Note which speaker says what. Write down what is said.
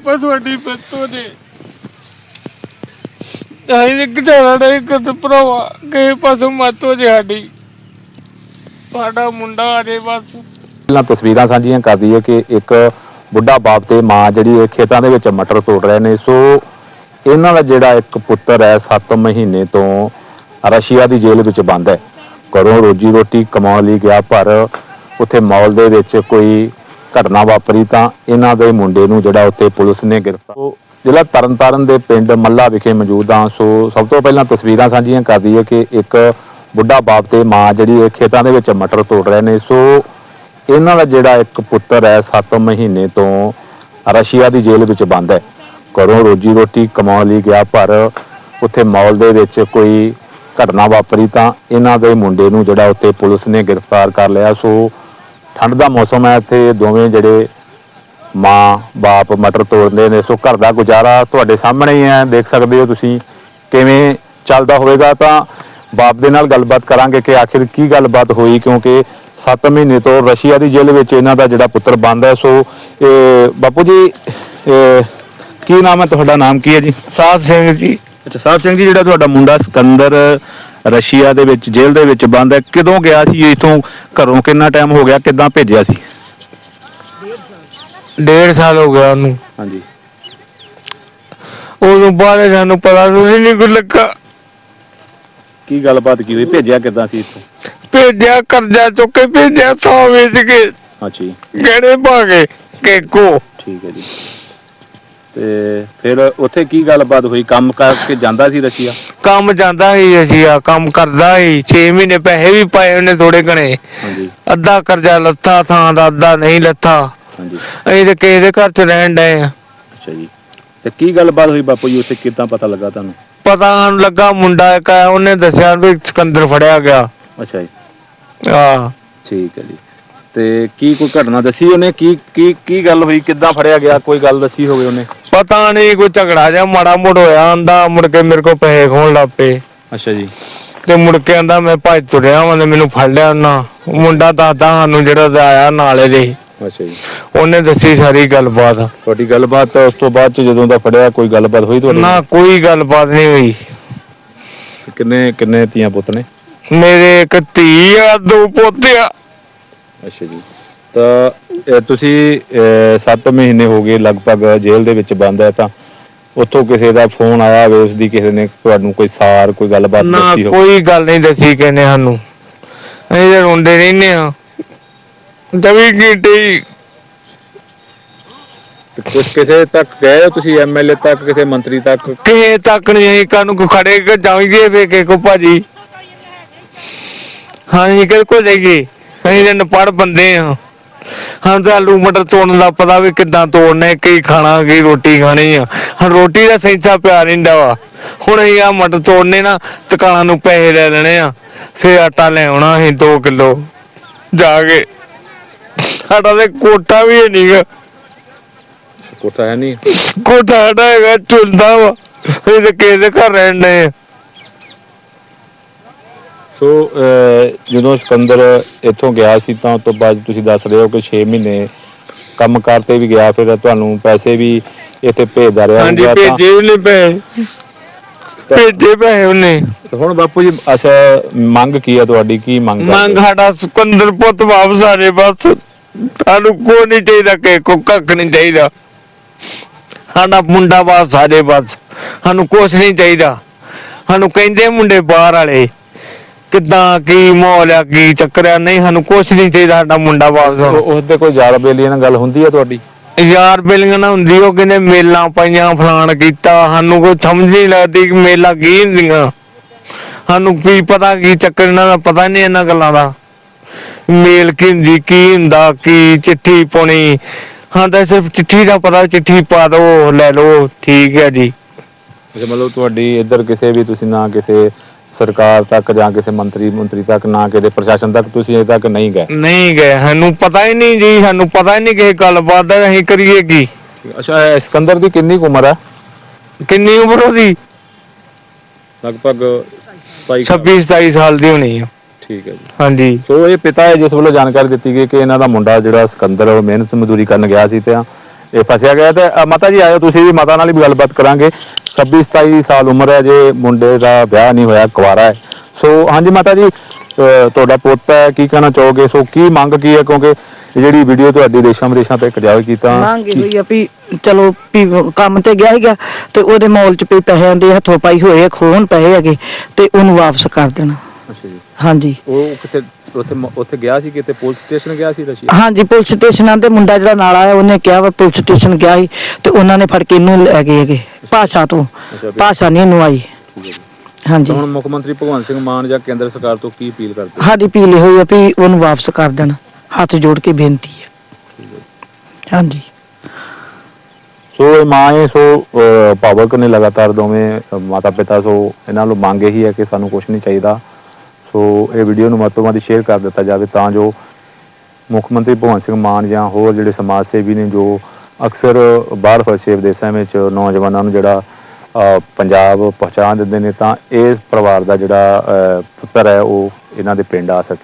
Speaker 1: ਕਿਰਪਾ ਤੁਹਾਡੀ ਬਿਰਤੋਂ ਨੇ ਅਸੀਂ ਕਿਹੜਾ ਨਹੀਂ ਕਰ ਭਰਾਵਾ ਕਿਸੇ ਪਾਸੋਂ ਮਤ ਹੋ ਜੇ ਸਾਡਾ ਮੁੰਡਾ ਆ ਜੇ ਬਸ।
Speaker 2: ਪਹਿਲਾਂ ਤਸਵੀਰਾਂ ਸਾਂਝੀਆਂ ਕਰ ਦਈਏ ਕਿ ਇੱਕ ਬੁੱਢਾ ਬਾਪ ਤੇ ਮਾਂ ਜਿਹੜੀ ਇਹ ਖੇਤਾਂ ਦੇ ਵਿੱਚ ਮਟਰ ਤੋੜ ਰਹੇ ਨੇ। ਸੋ ਇਹਨਾਂ ਦਾ ਜਿਹੜਾ ਇੱਕ ਪੁੱਤਰ ਹੈ 7 ਮਹੀਨੇ ਤੋਂ ਰਸ਼ੀਆ ਦੀ ਜੇਲ੍ਹ ਵਿੱਚ ਬੰਦ ਹੈ। ਘਰੋਂ ਰੋਜੀ ਰੋਟੀ ਕਮਾਉਣ ਲਈ ਗਿਆ, ਪਰ ਉੱਥੇ ਮਾਲ ਦੇ ਵਿੱਚ ਕੋਈ ਘਟਨਾ ਵਾਪਰੀ ਤਾਂ ਇਹਨਾਂ ਦੇ ਮੁੰਡੇ ਨੂੰ ਜਿਹੜਾ ਉੱਥੇ ਪੁਲਿਸ ਨੇ ਗ੍ਰਿਫਤਾਰ। ਜ਼ਿਲ੍ਹਾ ਤਰਨਤਾਰਨ ਦੇ ਪਿੰਡ ਮੱਲਾ ਵਿਖੇ ਮੌਜੂਦ ਹਾਂ। ਸੋ ਸਭ ਤੋਂ ਪਹਿਲਾਂ ਤਸਵੀਰਾਂ ਸਾਂਝੀਆਂ ਕਰ ਦਈਏ ਕਿ ਇੱਕ ਬੁੱਢਾ ਬਾਪ ਤੇ ਮਾਂ ਜਿਹੜੀ ਇਹ ਖੇਤਾਂ ਦੇ ਵਿੱਚ ਮਟਰ ਤੋੜ ਰਹੇ ਨੇ। ਸੋ ਇਹਨਾਂ ਦਾ ਜਿਹੜਾ ਇੱਕ ਪੁੱਤਰ ਹੈ 7 ਮਹੀਨੇ ਤੋਂ ਰਸ਼ੀਆ ਦੀ ਜੇਲ੍ਹ ਵਿੱਚ ਬੰਦ ਹੈ। ਘਰੋਂ ਰੋਜੀ ਰੋਟੀ ਕਮਾਉਣ ਲਈ ਗਿਆ, ਪਰ ਉੱਥੇ ਮਾਲ ਦੇ ਵਿੱਚ ਕੋਈ ਘਟਨਾ ਵਾਪਰੀ ਤਾਂ ਇਹਨਾਂ ਦੇ ਮੁੰਡੇ ਨੂੰ ਜਿਹੜਾ ਉੱਥੇ ਪੁਲਿਸ ਨੇ ਗ੍ਰਿਫਤਾਰ ਕਰ ਲਿਆ। ਸੋ ਠੰਡ ਦਾ ਮੌਸਮ ਹੈ, ਇੱਥੇ ਦੋਵੇਂ ਜਿਹੜੇ ਮਾਂ ਬਾਪ ਮਟਰ ਤੋੜਦੇ ਨੇ। ਸੋ ਘਰ ਦਾ ਗੁਜ਼ਾਰਾ ਤੁਹਾਡੇ ਸਾਹਮਣੇ ਹੀ ਹੈ, ਦੇਖ ਸਕਦੇ ਹੋ ਤੁਸੀਂ ਕਿਵੇਂ ਚੱਲਦਾ ਹੋਵੇਗਾ। ਤਾਂ ਬਾਪ ਦੇ ਨਾਲ ਗੱਲਬਾਤ ਕਰਾਂਗੇ ਕਿ ਆਖਿਰ ਕੀ ਗੱਲਬਾਤ ਹੋਈ, ਕਿਉਂਕਿ 7 ਮਹੀਨੇ ਤੋਂ ਰਸ਼ੀਆ ਦੀ ਜੇਲ੍ਹ ਵਿੱਚ ਇਹਨਾਂ ਦਾ ਜਿਹੜਾ ਪੁੱਤਰ ਬੰਦ ਹੈ। ਸੋ ਬਾਪੂ ਜੀ ਕੀ ਨਾਮ ਹੈ ਤੁਹਾਡਾ? ਨਾਮ ਕੀ ਹੈ ਜੀ?
Speaker 1: ਸਾਹਿਬ ਸਿੰਘ ਜੀ।
Speaker 2: ਅੱਛਾ ਸਾਹਿਬ ਸਿੰਘ ਜੀ, ਜਿਹੜਾ ਤੁਹਾਡਾ ਮੁੰਡਾ ਸਿਕੰਦਰ ਰਸ਼ੀਆ ਦੇ ਵਿੱਚ ਜੇਲ੍ਹ ਦੇ ਵਿੱਚ ਬੰਦ ਹੈ, ਕਦੋਂ ਗਿਆ ਸੀ ਇੱਥੋਂ? ਘਰੋਂ ਕਿੰਨਾ ਟਾਈਮ ਹੋ ਗਿਆ? ਕਿੱਦਾਂ ਭੇਜਿਆ ਸੀ?
Speaker 1: 1.5 ਸਾਲ ਹੋ ਗਿਆ ਉਹਨੂੰ।
Speaker 2: ਹਾਂਜੀ।
Speaker 1: ਉਦੋਂ ਬਾਅਦ ਸਾਨੂੰ ਪਤਾ ਨਹੀਂ ਕੁਝ ਲੱਗਾ।
Speaker 2: ਕੀ ਗੱਲਬਾਤ ਕੀ ਹੋਈ? ਭੇਜਿਆ ਕਿੱਦਾਂ ਸੀ ਇੱਥੋਂ?
Speaker 1: ਭੇਜਿਆ ਕਰਜ਼ਾ ਚੁੱਕ ਕੇ ਭੇਜਿਆ, ਸੌ ਵੇਚ ਕੇ।
Speaker 2: ਅੱਛਾ ਜੀ।
Speaker 1: ਗਹਿਣੇ ਪਾ ਕੇ ਕੇਕੋ।
Speaker 2: ਠੀਕ ਹੈ ਜੀ। ਤੇ ਫਿਰ ਉੱਥੇ ਕੀ ਗੱਲਬਾਤ ਹੋਈ? ਕੰਮ ਕਰਕੇ ਜਾਂਦਾ ਸੀ ਰਸ਼ੀਆ?
Speaker 1: ਕੰਮ ਜਾਂਦਾ ਸੀ ਰਸ਼ੀਆ, ਕੰਮ ਕਰਦਾ ਸੀ। 6 ਮਹੀਨੇ ਪੈਸੇ ਵੀ ਪਾਏ ਉਹਨੇ ਥੋੜੇ ਘਣੇ।
Speaker 2: ਹਾਂਜੀ।
Speaker 1: ਅੱਧਾ ਕਰਜ਼ਾ ਲੱਥਾ ਥਾਂ ਦਾ, ਅੱਧਾ ਨਹੀਂ ਲੱਥਾ।
Speaker 2: ਹਾਂਜੀ।
Speaker 1: ਅਸੀਂ ਤੇ ਕਿਸੇ ਦੇ ਘਰ ਚ ਰਹਿਣ ਡਏ ਆ।
Speaker 2: ਅੱਛਾ ਜੀ। ਤੇ ਕੀ ਗੱਲਬਾਤ ਹੋਈ ਬਾਪੂ ਜੀ ਉੱਥੇ, ਕਿੱਦਾਂ ਪਤਾ ਲੱਗਾ ਤੁਹਾਨੂੰ?
Speaker 1: ਪਤਾ ਸਾਨੂੰ ਲੱਗਾ ਮੁੰਡਾ ਇੱਕ ਆਇਆ, ਉਹਨੇ ਦੱਸਿਆ ਵੀ ਸਿਕੰਦਰ ਫੜਿਆ ਗਿਆ।
Speaker 2: ਅੱਛਾ ਜੀ।
Speaker 1: ਆਹ
Speaker 2: ਠੀਕ ਹੈ ਜੀ। ਤੇ ਕੀ ਕੋਈ ਘਟਨਾ ਦੱਸੀ ਉਹਨੇ? ਕੀ ਗੱਲ ਹੋਈ? ਕਿੱਦਾਂ ਫੜਿਆ ਗਿਆ? ਕੋਈ ਗੱਲ ਦੱਸੀ ਹੋਵੇ ਉਹਨੇ?
Speaker 1: ਪਤਾ ਨਹੀਂ, ਕੋਈ ਝਗੜਾ ਜਿਹਾ ਮਾੜਾ ਮੋੜ ਹੋਇਆ। ਆਂਦਾ ਮੁੜ ਕੇ ਮੇਰੇ ਕੋਲ ਪੈਸੇ ਖੋਣ ਲੱਗ ਪਏ।
Speaker 2: ਅੱਛਾ ਜੀ।
Speaker 1: ਤੇ ਮੁੜ ਕੇ ਆਂਦਾ ਮੈਂ ਭੱਜ ਤੁਰਿਆ ਵਾਂ ਤੇ ਮੈਨੂੰ ਫੜ ਲਿਆ ਉਹਨਾਂ। ਮੁੰਡਾ ਦੱਸਦਾ ਸਾਨੂੰ ਜਿਹੜਾ ਆਇਆ ਨਾਲੇ ਦੇ।
Speaker 2: ਅੱਛਾ ਜੀ।
Speaker 1: ਉਹਨੇ ਦੱਸੀ ਸਾਰੀ ਗੱਲਬਾਤ।
Speaker 2: ਤੁਹਾਡੀ ਗੱਲਬਾਤ ਉਸ ਤੋਂ ਬਾਅਦ ਚ ਜਦੋਂ ਦਾ ਫੜਿਆ ਕੋਈ ਗੱਲਬਾਤ ਹੋਈ ਤੁਹਾਡੀ?
Speaker 1: ਨਾ ਕੋਈ ਗੱਲਬਾਤ ਨਹੀਂ ਹੋਈ।
Speaker 2: ਕਿੰਨੇ ਧੀਆਂ ਪੁੱਤ ਨੇ?
Speaker 1: ਮੇਰੇ ਇੱਕ ਧੀ ਆ, 2 ਪੋਤੇ ਆ।
Speaker 2: ਅੱਛਾ ਜੀ। ਤਾਂ ਤੁਸੀਂ 7 ਮਹੀਨੇ ਹੋ ਗਏ ਲਗਭਗ ਜੇਲ੍ਹ ਦੇ ਵਿੱਚ ਬੰਦ ਹੈ, ਤਾਂ ਉੱਥੋਂ ਕਿਸੇ ਦਾ ਫੋਨ ਆਇਆ ਹੋਵੇ, ਉਸਦੀ ਕਿਸੇ ਨੇ ਤੁਹਾਨੂੰ ਕੋਈ ਸਾਰ ਕੋਈ ਗੱਲਬਾਤ ਦੱਸੀ
Speaker 1: ਨਾ
Speaker 2: ਹੋਵੇ?
Speaker 1: ਕੋਈ ਗੱਲ ਨਹੀਂ ਦੱਸੀ ਕਹਿੰਦੇ ਸਾਨੂੰ। ਅਸੀਂ ਤਾਂ ਰੋਂਦੇ ਰਹਿੰਦੇ ਆ 24 ਘੰਟੇ।
Speaker 2: ਕੁਝ ਕਿਸੇ ਤੱਕ ਗਏ ਹੋ ਤੁਸੀਂ? ਐਮਐਲਏ ਤੱਕ, ਕਿਸੇ ਮੰਤਰੀ ਤੱਕ?
Speaker 1: ਕਿਸੇ ਤੱਕ ਨਹੀਂ। ਅਸੀਂ ਕਾਨੂੰ ਕੋ ਖੜੇ ਕੇ ਜਾਵਾਂਗੇ ਵੇਖੇ ਕੋ ਭਾਜੀ। ਹਾਂਜੀ ਕਿਹਦੇ ਕੋ ਜਾਈਏ? ਅਸੀਂ ਤਾਂ ਨਪੜ ਬੰਦੇ ਆ। ਹਾਂ ਤਾਂ ਆਲੂ ਮਟਰ ਤੋੜਨ ਦਾ ਪਤਾ ਵੀ ਕਿੱਦਾਂ ਤੋੜਨੇ, ਕੀ ਖਾਣਾ, ਕੀ ਰੋਟੀ ਖਾਣੀ ਆ। ਹਾਂ ਰੋਟੀ ਦਾ ਸੈਂਸਾ ਪਿਆ ਰਹਿੰਦਾ ਵਾ। ਹੁਣ ਅਸੀਂ ਆ ਮਟਰ ਤੋੜਨੇ ਨਾ, ਦੁਕਾਨਾਂ ਨੂੰ ਪੈਸੇ ਲੈ ਲੈਣੇ ਆ, ਫਿਰ ਆਟਾ ਲੈ ਆਉਣਾ ਅਸੀਂ 2 ਕਿਲੋ ਜਾ ਕੇ। ਸਾਡਾ ਤੇ ਕੋਠਾ ਵੀ ਨਹੀਂ ਗਾ।
Speaker 2: ਕੋਠਾ ਹੈ ਨਹੀਂ?
Speaker 1: ਕੋਠਾ ਸਾਡਾ ਹੈਗਾ ਝੁਲਦਾ ਵਾ। ਅਸੀਂ ਤੇ ਕਿਸੇ ਦੇ ਘਰ ਰਹਿਣ ਡਏ ਆ।
Speaker 2: ਸੋ ਜਦੋਂ ਸਿਕੰਦਰ ਇੱਥੋਂ ਗਿਆ ਸੀ ਤਾਂ ਉਸ ਤੋਂ ਬਾਅਦ ਤੁਸੀਂ ਦੱਸ ਰਹੇ ਹੋ ਕਿ 6 ਮਹੀਨੇ ਕੰਮ ਕਰਤੇ ਵੀ ਗਿਆ, ਫਿਰ ਤੁਹਾਨੂੰ ਪੈਸੇ ਵੀ ਇੱਥੇ ਭੇਜਦਾ ਰਿਹਾ?
Speaker 1: ਹਾਂਜੀ ਭੇਜੇ ਉਹਨੇ ਪੈਸੇ, ਭੇਜੇ ਪੈਸੇ ਉਹਨੇ।
Speaker 2: ਹੁਣ ਬਾਪੂ ਜੀ ਅੱਛਾ ਮੰਗ ਕੀ ਹੈ ਤੁਹਾਡੀ? ਕੀ ਮੰਗ
Speaker 1: ਸਾਡਾ ਸਿਕੰਦਰ ਪੁੱਤ ਵਾਪਸ ਆ ਜੇ ਬਸ। ਸਾਨੂੰ ਕੋਈ ਨਹੀਂ ਚਾਹੀਦਾ, ਕਿ ਕੋ ਕੱਖ ਨਹੀਂ ਚਾਹੀਦਾ। ਸਾਡਾ ਮੁੰਡਾ ਵਾਪਸ ਆ ਜੇ ਬਸ। ਸਾਨੂੰ ਕੁਛ ਨਹੀਂ ਚਾਹੀਦਾ। ਸਾਨੂੰ ਕਹਿੰਦੇ ਮੁੰਡੇ ਬਾਹਰ ਵਾਲੇ ਕਿੱਦਾਂ ਕੀ ਮਾਹੌਲ ਆ, ਕੀ ਚੱਕਰ ਆ। ਨਹੀਂ ਸਾਨੂੰ ਕੁਛ ਨਹੀਂ ਚਾਹੀਦਾ, ਸਾਡਾ ਮੁੰਡਾ ਵਾਪਸ ਆਉਣਾ।
Speaker 2: ਉਸਦੇ ਕੋਈ ਯਾਰ ਬੇਲੀਆਂ ਨਾਲ ਗੱਲ ਹੁੰਦੀ ਹੈ ਤੁਹਾਡੀ?
Speaker 1: ਯਾਰ ਬੇਲੀਆਂ ਨਾਲ ਹੁੰਦੀ। ਉਹ ਕਹਿੰਦੇ ਮੇਲਾਂ ਪਾਈਆਂ, ਫਲਾਣ ਕੀਤਾ। ਸਾਨੂੰ ਕੋਈ ਸਮਝ ਨਹੀਂ ਲੱਗਦੀ ਕਿ ਮੇਲਾ ਕੀ ਹੁੰਦੀਆਂ। ਸਾਨੂੰ ਕੀ ਪਤਾ ਕੀ ਚੱਕਰ, ਇਹਨਾਂ ਦਾ ਪਤਾ ਨਹੀਂ ਇਹਨਾਂ ਗੱਲਾਂ ਦਾ। ਮੇਲ ਕੀ ਹੁੰਦੀ, ਕੀ ਹੁੰਦਾ, ਕੀ ਚਿੱਠੀ ਪਾਉਣੀ। ਹਾਂ ਤਾਂ ਸਿਰਫ ਚਿੱਠੀ ਦਾ ਪਤਾ, ਚਿੱਠੀ ਪਾ ਦਿਓ ਲੈ ਲਓ, ਠੀਕ ਹੈ ਜੀ।
Speaker 2: ਅੱਛਾ ਮਤਲਬ ਤੁਹਾਡੀ ਇੱਧਰ ਕਿਸੇ ਵੀ ਤੁਸੀਂ ਨਾ ਕਿਸੇ ਸਰਕਾਰ ਤੱਕ ਜਾਂ ਕਿਸੇ ਮੰਤਰੀ ਤੱਕ, ਨਾ ਕਿਸੇ ਪ੍ਰਸ਼ਾਸਨ ਤੱਕ ਤੁਸੀਂ ਅਜੇ ਤੱਕ ਨਹੀਂ ਗਏ?
Speaker 1: ਨਹੀਂ ਗਏ। ਸਾਨੂੰ ਪਤਾ ਹੀ ਨਹੀਂ ਜੀ, ਸਾਨੂੰ ਪਤਾ ਹੀ ਨਹੀਂ ਕਿਸੇ ਗੱਲਬਾਤ ਦਾ। ਅਸੀਂ ਕਰੀਏ ਕੀ?
Speaker 2: ਅੱਛਾ ਸਿਕੰਦਰ ਦੀ ਕਿੰਨੀ ਕੁ ਉਮਰ ਹੈ?
Speaker 1: ਕਿੰਨੀ ਉਮਰ ਉਹਦੀ?
Speaker 2: ਲਗਭਗ
Speaker 1: 26-27 ਸਾਲ ਦੀ ਹੋਣੀ ਆ।
Speaker 2: ਠੀਕ ਹੈ ਜੀ।
Speaker 1: ਹਾਂਜੀ।
Speaker 2: ਸੋ ਇਹ ਪਿਤਾ ਹੈ ਜਿਸ ਵੱਲੋਂ ਜਾਣਕਾਰੀ ਦਿੱਤੀ ਗਈ ਕਿ ਇਹਨਾਂ ਦਾ ਮੁੰਡਾ ਜਿਹੜਾ ਸਿਕੰਦਰ ਮਿਹਨਤ ਮਜ਼ਦੂਰੀ ਕਰਨ ਗਿਆ ਸੀ, ਤੇ ਇਹ ਫਸਿਆ ਗਿਆ। ਤੇ ਮਾਤਾ ਜੀ ਆਇਓ, ਤੁਸੀਂ ਵੀ ਮਾਤਾ ਨਾਲ ਵੀ ਗੱਲਬਾਤ ਕਰਾਂਗੇ। 26-27 ਸਾਲ ਉਮਰ ਹੈ ਜੇ, ਮੁੰਡੇ ਦਾ ਵਿਆਹ ਨਹੀਂ ਹੋਇਆ, ਕੁਆਰਾ ਹੈ। ਸੋ ਹਾਂਜੀ ਮਾਤਾ ਜੀ, ਤੁਹਾਡਾ ਪੁੱਤ ਹੈ, ਕੀ ਕਹਿਣਾ ਚਾਹੋਗੇ? ਸੋ ਕੀ ਮੰਗ ਕੀ ਹੈ, ਕਿਉਂਕਿ ਜਿਹੜੀ ਵੀਡੀਓ ਤੁਹਾਡੀ ਦੇਸ਼ਾਂ ਵਿਦੇਸ਼ਾਂ ਤੱਕ ਜਾਵੇ ਕੀਤਾ
Speaker 3: ਮੰਗ ਹੋਈ ਆ ਵੀ ਚਲੋ ਵੀ ਕੰਮ ਤੇ ਗਿਆ ਸੀਗਾ ਤੇ ਉਹਦੇ ਮੌਲ ਚ ਵੀ ਪੈਸਿਆਂ ਦੇ ਹੱਥੋਂ ਪਾਈ ਹੋਏ ਖੋਹਣ ਪੈਸੇ ਹੈਗੇ ਤੇ ਉਹਨੂੰ ਵਾਪਸ ਕਰ ਦੇਣਾ।
Speaker 2: ਅੱਛਾ ਜੀ।
Speaker 3: ਹਾਂਜੀ
Speaker 2: ਉਹ ਕਿਤੇ ਉੱਥੇ ਗਿਆ ਸੀ, ਕਿਤੇ ਪੁਲਿਸ ਸਟੇਸ਼ਨ ਗਿਆ ਸੀ ਰਸ਼ੀਆ?
Speaker 3: ਹਾਂਜੀ ਪੁਲਿਸ ਸਟੇਸ਼ਨਾਂ ਤੇ ਮੁੰਡਾ ਜਿਹੜਾ ਨਾਲ ਆਇਆ ਉਹਨੇ ਕਿਹਾ ਵਾ ਪੁਲਿਸ ਸਟੇਸ਼ਨ ਗਿਆ ਸੀ ਤੇ ਉਹਨਾਂ ਨੇ ਫੜ ਕੇ ਇਹਨੂੰ ਲੈ ਗਏ ਹੈਗੇ ਭਾਸ਼ਾ ਤੋਂ।
Speaker 2: ਅੱਛਾ ਵੀ-
Speaker 3: ਭਾਸ਼ਾ ਨਹੀਂ ਇਹਨੂੰ ਆਈ।
Speaker 2: ਠੀਕ ਹੈ ਜੀ।
Speaker 3: ਹਾਂਜੀ
Speaker 2: ਹੁਣ ਮੁੱਖ ਮੰਤਰੀ ਭਗਵੰਤ ਸਿੰਘ ਮਾਨ ਜਾਂ ਕੇਂਦਰ ਸਰਕਾਰ ਤੋਂ ਕੀ ਅਪੀਲ ਕਰਦੇ?
Speaker 3: ਸਾਡੀ ਅਪੀਲ ਹੋਈ ਆ ਵੀ ਉਹਨੂੰ ਵਾਪਸ ਕਰ ਦੇਣ, ਹੱਥ ਜੋੜ ਕੇ ਬੇਨਤੀ ਹੈ। ਹਾਂਜੀ
Speaker 2: ਸੋ ਇਹ ਮਾਂ ਹੈ, ਸੋ ਭਾਵਕ ਨੇ ਲਗਾਤਾਰ ਦੋਵੇਂ ਮਾਤਾ ਪਿਤਾ। ਸੋ ਇਹਨਾਂ ਨੂੰ ਮੰਗ ਇਹੀ ਹੈ ਕਿ ਸਾਨੂੰ ਕੁਝ ਨਹੀਂ ਚਾਹੀਦਾ। ਸੋ ਇਹ ਵੀਡੀਓ ਨੂੰ ਵੱਧ ਤੋਂ ਵੱਧ ਸ਼ੇਅਰ ਕਰ ਦਿੱਤਾ ਜਾਵੇ ਤਾਂ ਜੋ ਮੁੱਖ ਮੰਤਰੀ ਭਗਵੰਤ ਸਿੰਘ ਮਾਨ ਜਾਂ ਹੋਰ ਜਿਹੜੇ ਸਮਾਜ ਸੇਵੀ ਨੇ ਜੋ ਅਕਸਰ ਬਾਹਰ ਫਸੇ ਵਿਦੇਸ਼ਾਂ ਵਿੱਚ ਨੌਜਵਾਨਾਂ ਨੂੰ ਜਿਹੜਾ ਪੰਜਾਬ ਪਹੁੰਚਾ ਦਿੰਦੇ ਨੇ, ਤਾਂ ਇਸ ਪਰਿਵਾਰ ਦਾ ਜਿਹੜਾ ਪੁੱਤਰ ਹੈ ਉਹ ਇਹਨਾਂ ਦੇ ਪਿੰਡ ਆ ਸਕੇ।